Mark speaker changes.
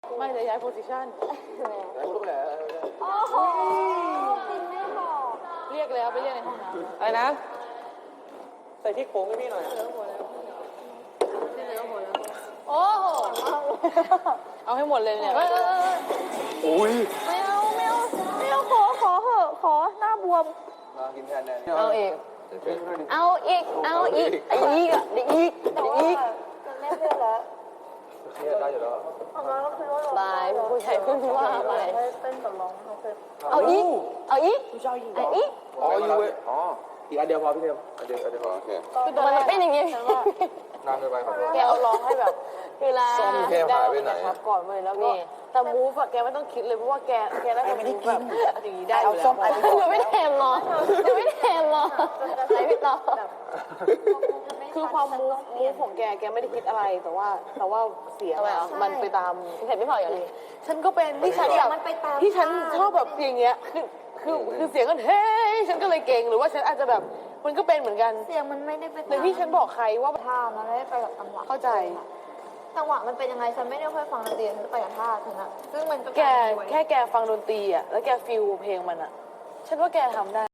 Speaker 1: ไม่จะย้ายโพสิชัน
Speaker 2: แล้วลูกแหละ
Speaker 3: โอ้โหปินไม่บอก
Speaker 1: เรียกแล้วไปเรียกในห้องน้ำ
Speaker 2: อะไรนะ ใส่ที่โค้งให้พี่หน่อย
Speaker 1: โอ้โหเอาให้หมดเลยเนี่ย
Speaker 2: อุ้ย
Speaker 3: ไม่เอาไม่เอาไม่เอาขอเหอะขอหน้าบวม
Speaker 2: มากินแทนแนน
Speaker 1: เอาเอง
Speaker 3: เอาอีกเอาอีกไอ้อีกอ่ะเด็กอีกเด็กอีกจะแม่เพื่อนแล้ว
Speaker 2: เครียดได้อยู่แล้ว
Speaker 1: บายผู้ชายเพิ่งว่าไป
Speaker 3: เต้นกับร้องเขาเคย
Speaker 1: เอาอีกเอาอีกไอ้อีก
Speaker 2: อ๋อยูเวอ๋ออีกอันเดียวพอพี่เทมอันเดียวพอโอเค
Speaker 1: คือมันเป็นอย่างนี้
Speaker 2: นานเกินไปขอโทษ
Speaker 1: แกเอาร้องให้แบบเวลา
Speaker 2: ซ่อมแกหายไปไหน
Speaker 1: ครับก่อนเลยแล้วก็แต่มูฟอะแกไม่ต้องคิดเลยเพราะว่าแกได้แบบมูฟแบบอย่างนี้ได้อยู่แล้วยังไม่แทมหรอยังไม่แทมหรอไหนพี่ต่อคือความมูฟของแกไม่ได้คิดอะไรแต่ว่าเสียงอะมันไปตามเห็นไม่พออย่างนี้ฉันก็เป็นที่ฉันแบบที่ฉันชอบแบบอย่างเงี้ยคือเสียงกันเฮ้ยฉันก็เลยเก่งหรือว่าฉันอาจจะแบบมันก็เป็นเหมือนกัน
Speaker 3: เสียงมันไม่ได้ไป
Speaker 1: แต่ที่ฉันบอกใครว่า
Speaker 3: ท่ามันไม่ได้ไปกับจังหวะ
Speaker 1: เข้าใจ
Speaker 3: จังหวะมันเป็นยังไงฉันไม่ได้ค่อยฟังดนตรีฉันไปกับท่าฉันอะซึ่งมันก็
Speaker 1: แกแค่แกฟังดนตรีอ่ะแล้วแกฟีลเพลงมันอ่ะ ฉันว่าแกทำได้